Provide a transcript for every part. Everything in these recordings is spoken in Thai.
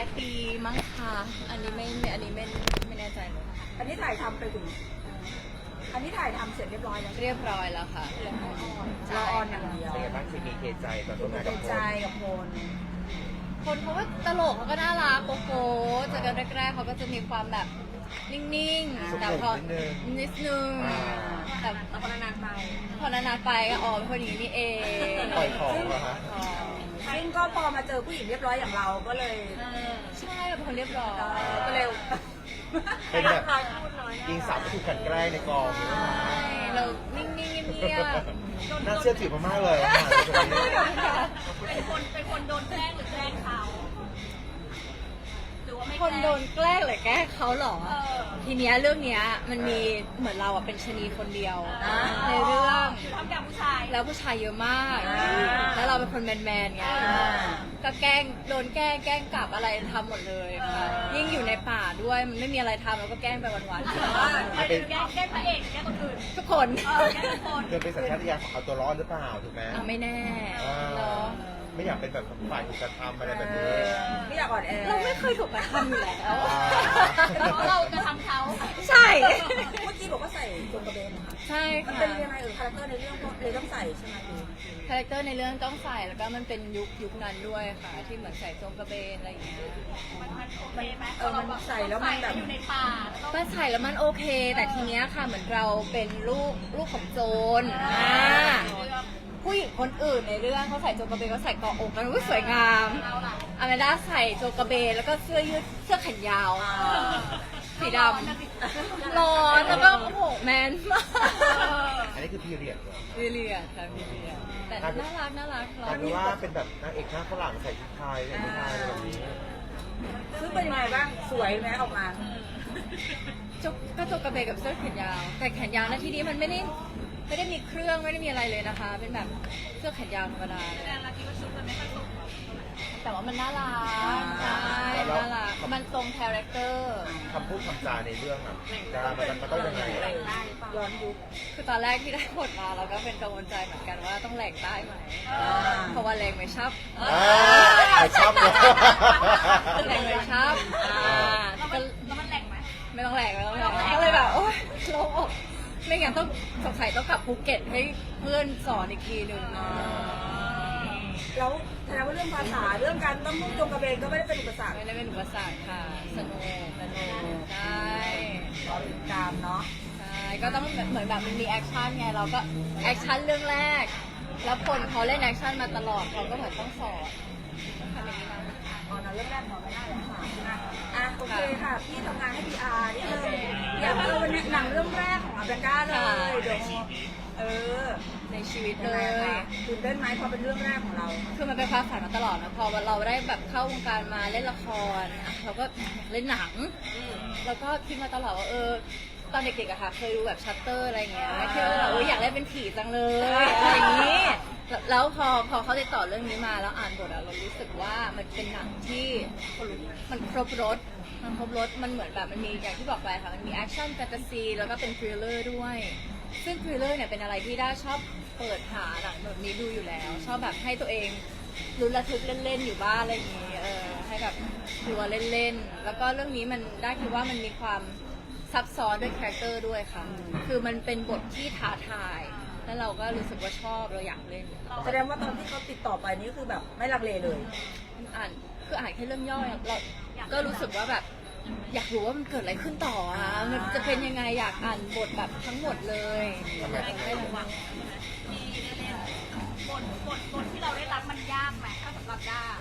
ายปีมั้งค่ะอันนี้ไม่แน่ใจเลยอันนี้ถ่ายทำไปถึงอันนี้ถ่ายทำเสร็จเรียบร้อยแล้วเรียบร้อยแล้วค่ะรอออนอย่างเดียวเป็นไงบ้างเคมีเคใจตอนร่วมงานเป็กับนโพใจลกับพลคนเขาก็ตลกเขาก็น่ารักโกโก้เจอกันแรกๆเขาก็จะมีความแบบนิ่งๆแต่พอนิดนึงแต่พอนานๆไปก็อ๋อเป็นคนอย่างนี้นี่เองปล่อยของเหรอฮะซึ่งก็พอมาเจอผู้หญิงเรียบร้อยอย่างเราก็เลยใช่เป็นคนเรียบร้อยก็เร็วเป็นแบบยิงสาวก็ถูกกลันแกล้งในกองใช่เรานิ่งๆเงียบน่าเชื่อถือมากๆเลยเป็นคนโดนแกล้งหรือแกล้งเขาหรือว่าไม่ๆคนโดนแกล้งหรือแกล้งเขาเหรอ ทีเนี้ยเรื่องเนี้ยมันมีเหมือนเราอะเป็นชะนีคนเดียวในเรื่องทำอย่างผู้ชายแล้วผู้ชายเยอะมาก แล้วเราเป็นคนแมนๆไงก็แกล้งโดนแกล้งกลับอะไรทำหมดเลยค่ะยิ่งอยู่ในป่าด้วยมันไม่มีอะไรทำเราก็แกล้งไปวันเป็นแกล้งพระเอกแกล้งคนอื่นๆทุกคนแกล้งทุกคนเธอเป็นสัญชาตญาณของเอาตัวรอดหรือเปล่าถูกไหมไม่แน่เนาะไม่อยากเป็นแบบฝ่ายถูกกระทำอะไรแบบนี้ไม่อยากอ่อนแอเราไม่เคยถูกกระทำอยู่แล้วเพราะเราจะทำเขาใช่เมื่อกี้บอกว่าใส่จงกระเบนนะคะใช่มันค่ะเป็นยังไงคาแรคเตอร์ในเรื่องก็เลยต้องใส่ใช่ไหมพี่คาแรคเตอร์ในเรื่องต้องใส่แล้วก็มันเป็นยุคนั้นด้วยค่ะที่เหมือนใส่โจงกระเบนอะไรอย่างเงี้ยมันโอเคไหมมันใส่แล้วมันแบบอยู่ในป่าแล้วป้าใส่แล้วมันโอเค แต่ทีเนี้ยค่ะเหมือนเราเป็นลูกของโจรผู้หญิงคนอื่นในเรื่องเขาใส่โจงกระเบนเขาใส่เกาะอกกันสวยงามอเมด้าใส่โจงกระเบนแล้วก็เสื้อยืดเสื้อแขนยาวสีดำร้อนแล้วก็โอ้โหแมนมากอันนี้คือพีเรียดเหรอวิเลียค่ะวิเลียแต่น่ารักร้กลายเป็นว่าเป็นแบบนางเอกหน้าฝรั่งใส่ชุดไทยใส่ชุดไทยอะไรแบบนี้ซึ่งเป็นยังไงบ้างสวยไหมออกมาก็โจงกระเบนกับเสื้อแขนยาวแต่แขนยาวนะที่นี้มันไม่ได้มีเครื่องไม่ได้มีอะไรเลยนะคะ เป็นแบบเสื้อแขนยาวธรรมดาแต่เราคิดว่าชุดมันไม่ค่อยสมแต่ว่ามันน่ารักใช่น่ารักมันตรงคาแรคเตอร์คำพูดคำจาในเรื่องอ่ะดารามันต้องยังไงย้อนยุคคือตอนแรกที่ได้บทมาเราก็เป็นกังวลใจเหมือนกันว่าต้องแหลกได้ไหมเพราะว่าแรงไม่ชับไม่ชอบเลยแรงไม่ชับก็แล้วมันแหลกไหมไม่ต้องแหลกก็เลยแบบโอ๊ยโล่งอกไม่งั้นต้องสงสัยต้องกลับภูเก็ตให้เพื่อนสอนอีกทีหนึ่งแล้วแสดงว่าเรื่องภาษาเรื่องการต้องนุ่งจงกระเบนก็ไม่ได้เป็นอุปสรรคไม่ได้เป็นอุปสรรคค่ะสนุกใช่รอติดตามเนาะใช่ก็ต้องเหมือนแบบมันมีแอคชั่นไงเราก็แอคชั่นเรื่องแรก แล้วคนเขาเล่นแอคชั่นมาตลอดเราก็เหมือนต้องสอนทำอย่างนี้นะอ๋อนะเรื่องแรกหมอไม่ได้แล้วค่ะโอเคค่ะพี่ทำงานให้ PR นี่เลยอยากวันนี้หนังเรื่องแรกของอาแบนด้าเลยเดี๋ยวในชีวิตยังเลไงยคะตื่นเต้นไหมพอเป็นเรื่องแรกของเราคือมันเป็นความฝันมาตลอดนะพอเราได้แบบเข้าวงการมาเล่นละครเราก็เล่นหนังแล้วก็คิดมาตลอดว่าตอนเด็กๆอะค่ะเคยดูแบบชัตเตอร์อะไรเงี้ยที่ว่าแบบอยากเล่นเป็นผีจังเลยอะไรอย่างนี้แล้วพอเขาติดต่อเรื่องนี้มาแล้วอ่านบทอะเรารู้สึกว่ามันเป็นหนังที่มันครบรสมันเหมือนแบบมันมีอย่างที่บอกไปค่ะมันมีแอคชั่นแฟนตาซีแล้วก็เป็นทริลเลอร์ด้วยซึ่งทริลเลอร์เนี่ยเป็นอะไรที่ด้าชอบเปิดหาหนังแบบนี้ดูอยู่แล้ว ชอบแบบให้ตัวเองลุ้นระทึกเล่นๆอยู่บ้านอะไรอย่างนี้ให้แบบกลัวเล่นๆแล้วก็เรื่องนี้มันได้คิดว่ามันมีความซับซ้อนด้วยคาแรคเตอร์ด้วยค่ะคือมันเป็นบทที่ท้าทาย แล้วเราก็รู้สึกว่าชอบเราอยากเล่นแสดงว่าตอนที่เขาติดต่อไปนี่คือแบบไม่ลังเลเลยอ่านแค่เรื่องย่อยเราก็รู้สึกว่าแบบอยากรู้ว่ามันเกิดอะไรขึ้นต่อมันจะเป็นยังไงอยากอ่านบทแบบทั้งหมดเลยอยากได้ระวังที่ได้เล่นบทที่เราได้รับมันยากไหมถ้าสำหรับด้า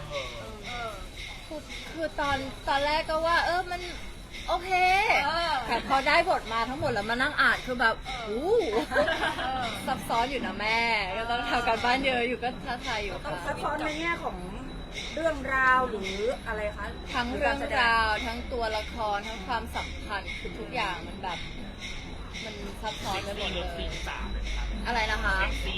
คือตอนแรกก็ว่ามันโอเคแต่พอได้บทมาทั้งหมดแล้วมานั่งอ่านคือแบบซับซ้อนอยู่นะแม่ก็ต้องทำการบ้านเยอะอยู่ก็ท้าทายอยู่ต้องค่ะซับซ้อนในแง่ของเรื่องราวหรืออะไรคะทั้งเรื่องราวทั้งตัวละครทั้งความสัมพันธ์คือทุกอย่างมันแบบมันซับซ้อนไปหมดเลยอะไรนะคะ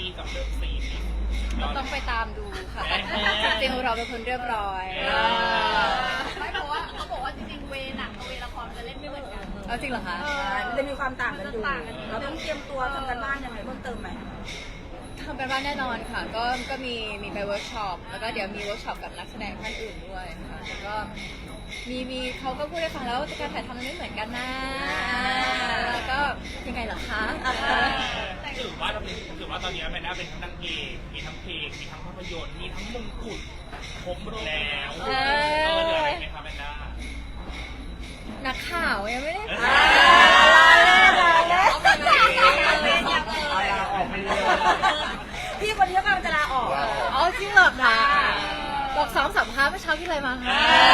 ต้องไปตามดูค่ะแต่จริงๆเราเป็นคนเรียบร้อยไม่เพราะว่าเขาบอกว่าจริงๆเวหนังกับเวละครมันจะเล่นไม่เหมือนกันเอาจริงเหรอคะมันจะมีความต่างกันอยู่เราต้องเตรียมตัวทำกันบ้านยังไงเพิ่มเติมไหมทำกันบ้านแน่นอนค่ะก็มีไปเวิร์กช็อปแล้วก็เดี๋ยวมีเวิร์กช็อปกับนักแสดงท่านอื่นด้วยค่ะแล้วก็มีเขาก็พูดให้ฟังแล้วการถ่ายทำมันไม่เหมือนกันนะแล้วก็ยังไงเหรอคะถือว่าตอนนี้แมนด้าเป็นทั้งนางเอกมีทั้งเพลงมีทั้งภาพยนตร์มีทั้งมงกุฎครบหมดแล้วเหลืออะไรไหมคะแมนด้านักข่าวยังไม่ได้เอาลาออกไปเลยพี่คนนี้กำลังจะลาออกอ๋อจริงเหรอคะบอกซ้อมสัมภาษณ์เมื่อเช้าที่อะไรมาคะ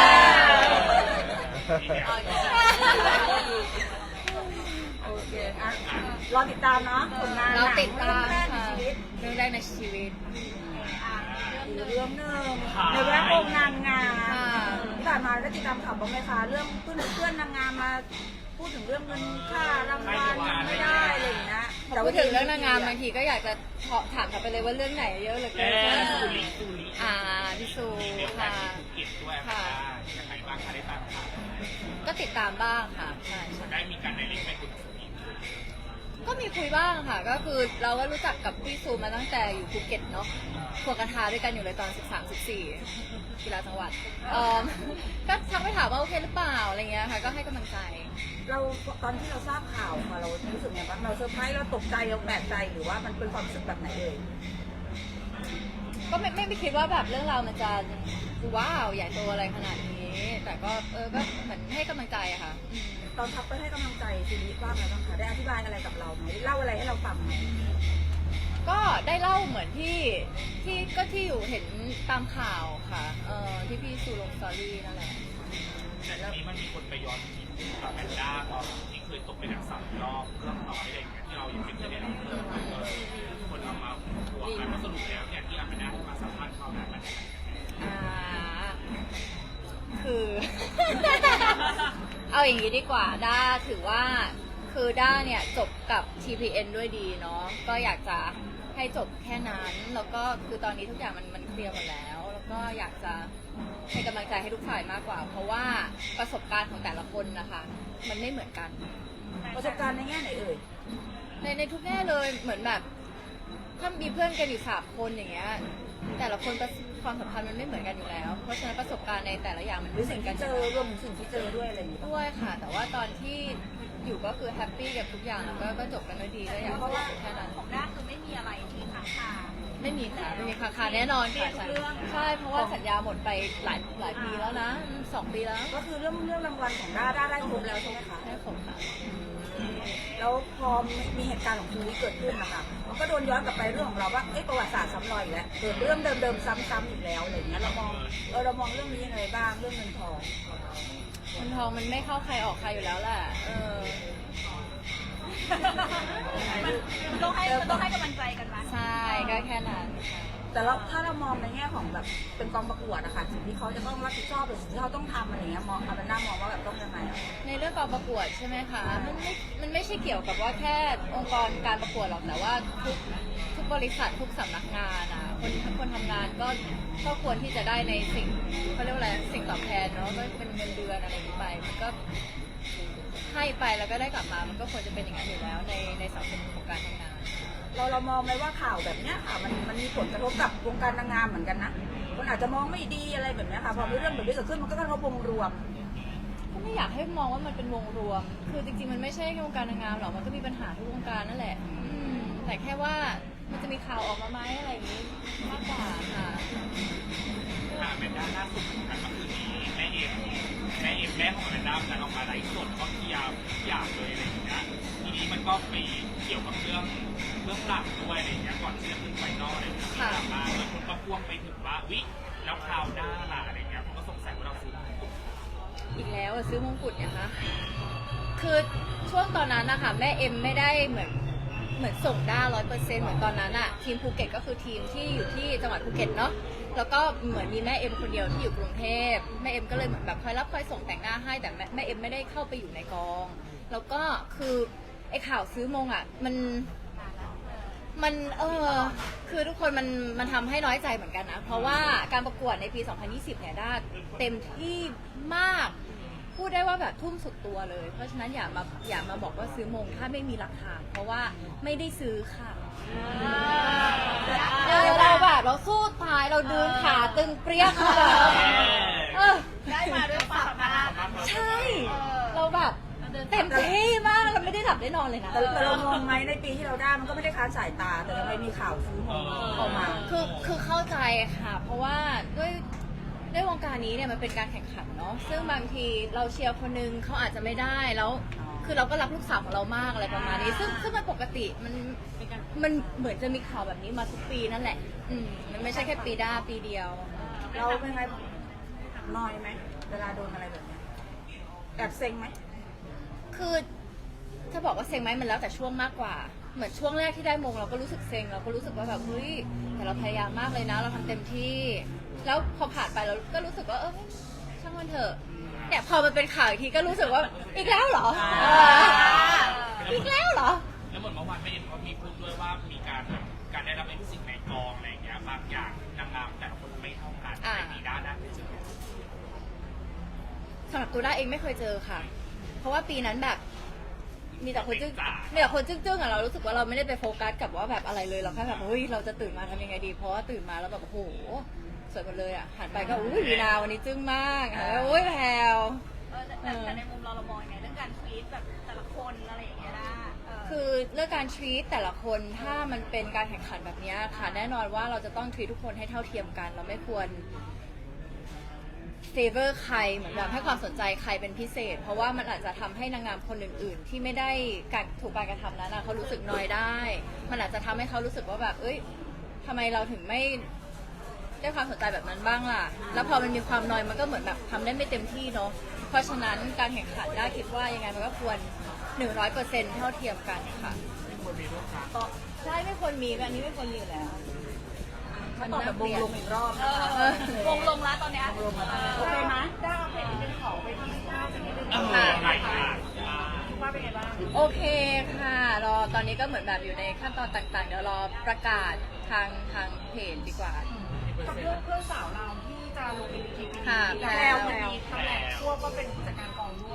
โอเคอ่ะรอติดตามเนาะผลงานเราติดตามเรื่องแรกในค่ะชีวิตเรื่องแรกในชีวิตเรื่องหนึ่งในแวดวงนางงามค่ะที่ผ่านมาได้ติดตามข่าวบ้างไหมคะเรื่องเพื่อนนางงามมาพูดถึงเรื่องเงินค่ารางวัลไม่ได้อะไรอย่างเงี้ยพูดถึงเรื่องนางงามบางทีก็อยากจะถามกลับไปเลยว่าเรื่องไหนเยอะเหลือเกินซูริพี่ซูมีโอกาค่ะสที่ภูเก็ตด้วยค่ะยังไงบ้างคะได้ตามข่าวก็ติดตามบ้างค่ะใช่ได้มีการไดเรกไปคุยกับซูริก็มีคุยบ้างค่ะ ก็คือเราก็รู้จักกับพี่ซูมาตั้งแต่อยู่ภูเก็ตเนาะควงกระทาด้วยกันอยู่เลยตอน 13-14 กีฬาจังหวัดก็ทักไปถามว่าโอเคหรือเปล่าอะไรเงี้ยค่ะ ก็ให้กำลังใจเราตอนที่เราทราบข่าวค่ะเรารู้สึกไงบ้างเราเซอร์ไพรส์เราตกใจเราแปลกใจหรือว่ามันเป็นความรู้สึกแบบไหนเลยก็ไม่คิดว่าแบบเรื่องราวมันจะว้าวใหญ่โตอะไรขนาดนี้ แต่ก็ก็เหมือนให้กำลังใจอะค่ะตอนทักไปให้กำลังใจชีวิตบ้างไหมบ้างคะได้อธิบายอะไรกับเราไหมเล่าอะไรให้เราฟังไหมก็ได้เล่าเหมือนที่อยู่เห็นตามข่าวค่ะที่พี่ซูลงสตอรี่นั่นแหละแต่ทีนี้มันมีคนไปย้อนคิดกับแมนด้าตอนที่เคยตกเป็นนักสัมรอบเรื่องน้อยอะไรอย่างเงี้ยที่เรายังไม่เคยได้รับคนเอามาหัวกันว่าสรุปแล้วเนี่ยที่แมนด้ามาสัมภาษณ์เขาเนี่ยมันคือ เอาอย่างนี้ดีกว่าด้าถือว่าคือด้าเนี่ยจบกับ TPN ด้วยดีเนาะก็อยากจะให้จบแค่นั้นแล้วก็คือตอนนี้ทุกอย่างมันเคลียร์หมดแล้วแล้วก็อยากจะให้กำลังใจให้ทุกฝ่ายมากกว่า เพราะว่าประสบการณ์ของแต่ละคนนะคะมันไม่เหมือนกันประสบการณ์ในแง่ไหนเอ่ยในทุกแง่เลยเหมือนแบบถ้ามีเพื่อนกันอยู่3 คนอย่างเงี้ยแต่ละคนความสัมพันธ์มันไม่เหมือนกันอยู่แล้ว เพราะฉะนั้นประสบการณ์ในแต่ละอย่างมันหรือไม่เหสิ่มืงอนกันที่อเจยู่อแล้วรวมถึงสิ่งที่เจอด้วยอะไรอย่างเงี้ยด้วยค่ะ แต่ว่าตอนที่อยู่ก็คือแฮปปี้กับทุกอย่างก็จบกันด้วยดีก็อยากจะแค่นั้นของด้าคือไม่มีอะไรที่ค้างคาไม่มีค่ะไม่มีคาแน่นอนค่ะใช่เพราะว่าสัญญาหมดไปหลายปีแล้วนะ2 ปีแล้วก็คือเรื่องรางวัลของด้าได้ครบแล้วใช่ไหมคะใช่ผมค่ะแล้วพอมีเหตุการณ์ของชีวิตเกิดขึ้นนะคะมันก็โดนย้อนกลับไปเรื่องของเราว่าประวัติศาสตร์ซ้ำรอยอีกแล้วเกิดเรื่องเดิมๆซ้ำๆอีกแล้วอะไรอย่างเงี้ยเรามองเรื่องนี้ยังไงบ้างเรื่องเงินทองคนทองมันไม่เข้าใครออกใครอยู่แล้วแหละมันต้องให้กำลังใจกันมาใช่ก็แค่นั้นค่ะแต่ถ้าเรามองในแง่ของแบบเป็นกองประกวดอะค่ะสิ่งที่เขาจะต้องรับผิดชอบหรือสิ่งที่เขาต้องทำอะไรอย่างเงี้ยมองเอาเป็นหน้ามองว่าแบบต้องยังไงอะในเรื่องการประกวดใช่ไหมคะมันไม่ใช่เกี่ยวกับว่าแค่องค์กรการประกวดหรอกแต่ว่าทุกบริษัททุกสำนักงานอ่ะคนทำงานก็ควรที่จะได้ในสิ่งเขาเรียกว่าอะไรสิ่งตอบแทนเนาะก็เป็นเงินเดือนอะไรอย่างนี้ไปมันก็ให้ไปแล้วก็ได้กลับมามันก็ควรจะเป็นอย่างนั้นอยู่แล้วในสังคมของการทำงานเรามองไหมว่าข่าวแบบเนี้ยค่ะมันมีผลกระทบกับวงการนางงามเหมือนกันนะคนอาจจะมองไม่ดีอะไรแบบเนี้ยค่ะพอมีเรื่องแบบนี้เกิดขึ้นมันก็กระทบวงรวมก็ไม่อยากให้มองว่ามันเป็นวงรวม คือจริงๆมันไม่ใช่แค่วงการนางงามหรอกมันก็มีปัญหาทุกวงการนั่นแหละแต่แค่ว่ามันจะมีข่าวออกมาไหมอะไรอย่างนี้มากกว่าค่ะแมนด้าล่าสุดเหมือนกันเมื่อคืนนี้แม่ของแมนด้าการออกมาไลฟ์สดก็เคลียร์ทุกอย่างเลยอะไรอย่างเงี้ยทีนี้มันก็ไปเกี่ยวกับเรื่องหลักด้วยอะไรอย่างเงี้ยก่อนที่จะขึ้นไฟนอลอะไรอย่างเงี้ยมาแล้วคนก็พ่วงไปถึงว่าวิแล้วข่าวด้าล่ะอะไรเงี้ยผมก็สงสัยว่าเราซื้ออีกแล้วอะซื้อมงกุฎเนี่ยคะคือช่วงตอนนั้นนะคะแม่เอ็มไม่ได้เหมือนส่งด้า100%เหมือนตอนนั้นอะทีมภูเก็ตก็คือทีมที่อยู่ที่จังหวัดภูเก็ตเนาะแล้วก็เหมือนมีแม่เอ็มคนเดียวที่อยู่กรุงเทพแม่เอ็มก็เลยเหมือนแบบคอยรับคอยส่งแต่งหน้าให้แต่แม่เอ็มไม่ได้เข้าไปอยู่ในกองแล้วก็คือไอ้ข่าวซื้อมงอะมันคือทุกคนมันทำให้น้อยใจเหมือนกันนะเพราะว่าการประกวดในปี 2020 เนี่ยด้าเต็มที่มากพูดได้ว่าแบบทุ่มสุดตัวเลยเพราะฉะนั้นอย่ามาบอกว่าซื้อมงถ้าไม่มีหลักฐานเพราะว่าไม่ได้ซื้อค่ะเราแบบเราสู้ตายเราดืนขาตึงเปรี้ยกเลยได้มาด้วยความสามารถเต็มที่มากเราไม่ได้หลับได้นอนเลยนะแต่เรามองไหมในปีที่เราได้มันก็ไม่ได้ค้านสายตาแต่ทำไมมีข่าวซื้อเข้ามาคือเข้าใจค่ะ เพราะว่าด้วยวงการนี้เนี่ยมันเป็นการแข่งขันเนาะซึ่งบางทีเราเชียร์คนนึงเขาอาจจะไม่ได้แล้วคือเราก็รักลูกสาวของเรามากอะไรประมาณนี้ซึ่งมันปกติมันเหมือนจะมีข่าวแบบนี้มาทุกปีนั่นแหละมันไม่ใช่แค่ปีเดียวเราเป็นไงนอยไหมเวลาโดนอะไรแบบนี้แอบเซ็งไหมคือถ้าบอกว่าเซ็งไหมมันแล้วแต่ช่วงมากกว่าเหมือนช่วงแรกที่ได้มงเราก็รู้สึกเซ็งเราก็รู้สึกว่าแบบเฮ้ยแต่เราพยายามมากเลยนะ เราทำเต็มที่แล้วพอผ่านไปเราก็รู้สึกว่าช่างมันเถอะเนี่ยพอมันเป็นข่าวอีกทีก็รู้สึกว่าอีกแล้วเหรออีกแล้วเหรอแล้วเหมือนเมื่อวานแม่เอ็มเขามีพูดด้วยว่ามีการได้รับเอ็นสิ่งในกองอะไรอย่างเงี้ยบางอย่างนางงามแต่ละคนไม่เท่ากันในปีด้านเป็นจุดสำหรับตัวด้าเองไม่เคยเจอค่ะ เพราะว่าปีนั้นแบบมีแต่คนจึ้งๆอะเรารู้สึกว่าเราไม่ได้ไปโฟกัสกับว่าแบบอะไรเลยเราแค่แบบเฮ้ยเราจะตื่นมาทำยังไงดีเพราะว่าตื่นมาแล้วแบบโอ้โหสวยหมดเลยอะหันไปก็อุ้ยวีนาวันนี้จึ้งมากอุ้ยแพรวแต่ในมุมเรามองยังไงเรื่องการทวีตแบบแต่ละคนอะไรอย่างเงี้ยนะคือเรื่องการ treat แต่ละคนถ้ามันเป็นการแข่งขันแบบนี้ค่ะแน่นอนว่าเราจะต้อง treat ทุกคนให้เท่าเทียมกันเราไม่ควร favor ใครเหมือนแบบให้ความสนใจใครเป็นพิเศษ เพราะว่ามันอาจจะทำให้นางงามคนอื่นๆ ที่ไม่ได้ถูกการกระทำนั้นเขารู้สึกนอยได้ มันอาจจะทำให้เขารู้สึกว่าแบบเอ้ยทำไมเราถึงไม่ได้ความสนใจแบบนั้นบ้างล่ะแล้วพอมันมีความนอยมันก็เหมือนแบบทำได้ไม่เต็มที่เนาะเพราะฉะนั้นการแข่งขันได้คิดว่ายังไงมันก็ควร 100% เท่าเทียมกันค่ะใช่ไม่ควรมีอันนี้ไม่ควรมีอยู่แล้วมันตอบแบบวงลงอีกรอบนะคะวงลงแล้วตอนเนี้ยโอเคไหมได้เอาเพจเป็นของไปที่หน้าจะนิดนึง ว่าเป็นไงบ้างโอเคค่ะรอตอนนี้ก็เหมือนแบบอยู่ในขั้นตอนต่างๆเดี๋ยวรอประกาศทางเพจดีกว่ากับเรื่องสาวเราที่จะลงเป็นทีวีค่ะแล้ววันนี้ตำแหน่งควบก็เป็นผู้จัดการกองด้วย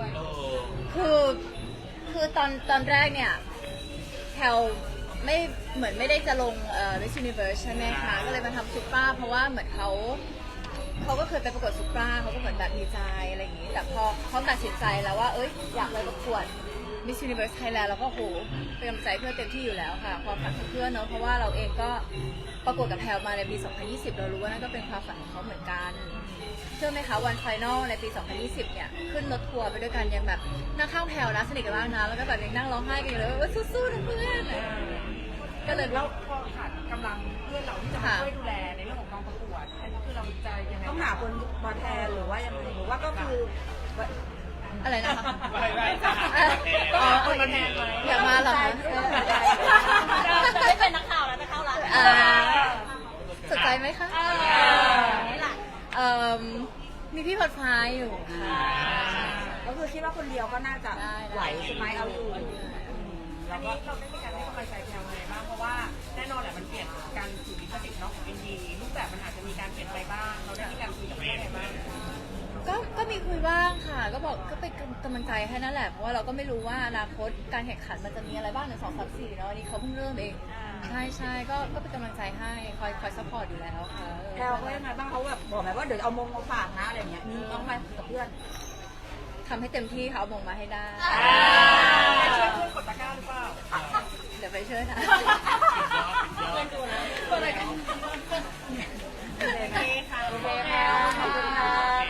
คือตอนแรกเนี่ยแพลไม่เหมือนไม่ได้จะลงMiss Universe ใช่ไหมคะก็เลยมาทำซุปเปอร์เพราะว่าเหมือนเขาก็เคยไปประกวดซุปเปอร์เขาก็เหมือนแบบดีใจอะไรอย่างนี้แต่พอเขาตัดสินใจแล้วว่าอยากไปประกวด Miss Universe Thailand แล้วก็โหเป็นกำลังใจเพื่อนเต็มที่อยู่แล้วค่ะความฝันของเพื่อนเนาะเพราะว่าเราเองก็ประกวดกับแพลมาในปี 2020 เรารู้ว่านั่นก็เป็นความฝันของเขาเหมือนกันเชื่อไหมคะวันไฟนอลในปี 2020 เนี่ยขึ้นรถทัวร์ไปด้วยกันยังแบบนั่งข้างแพลนะสนิทกันมากนะแล้วก็แบบยังนั่งร้องไห้กันอยู่เลยว่าสู้ๆนะเพื่อนก็เลยแล้วพอขาดกำลังเพื่อนเราที่จะมาช่วยดูแลในเรื่องของกองประกวดอันนี้คือเราจะยังไงต้องหาคนมาแทนหรือว่ายังไงหรือว่าก็คืออะไรนะคะไม่จ้ะอ๋ออยากมาเหรอคะจะไม่เป็นนักข่าวแล้วจะเข้าร้านสนใจไหมคะนี่แหละมีพี่พอดฟ้าอยู่ค่ะก็คือคิดว่าคนเดียวก็น่าจะไหวใช่ไหมเอาอยู่อันนี้เราได้มีการให้กำลังใจแพลยังไงบ้างเพราะว่าแน่นอนแหละมันเปลี่ยนการถือลิขสิทธิ์เนาะของ ND รูปแบบมันอาจจะมีการเปลี่ยนไปบ้างเราได้มีการคุยกับแม่ยังไงบ้างก็มีคุยบ้างค่ะ ก็บอกก็เป็นกำลังใจให้นั่นแหละเพราะว่าเราก็ไม่รู้ว่าอนาคตการแข่งขันมันจะมีอะไรบ้าง1 2 3 4เนาะอันนี้เขาเพิ่งเริ่มเองใช่ก็เป็นกำลังใจให้คอยซัพพอร์ตอยู่แล้วค่ะแพลเขายังไงบ้างเขาแบบบอกไหมว่าเดี๋ยวเอามงมาฝากนะอะไรเงี้ยมีบ้างไหมกับเพื่อนทำให้เต็มที่ค่ะเอามงมาให้ได้ช่วยเพื่อนกดตะกร้าหรือเปล่าเดี๋ยวไปช่วยนะเพื่อนดูนะตัวอะไรกันโอเคค่ะโอเคค่ะขอบคุณค่ะ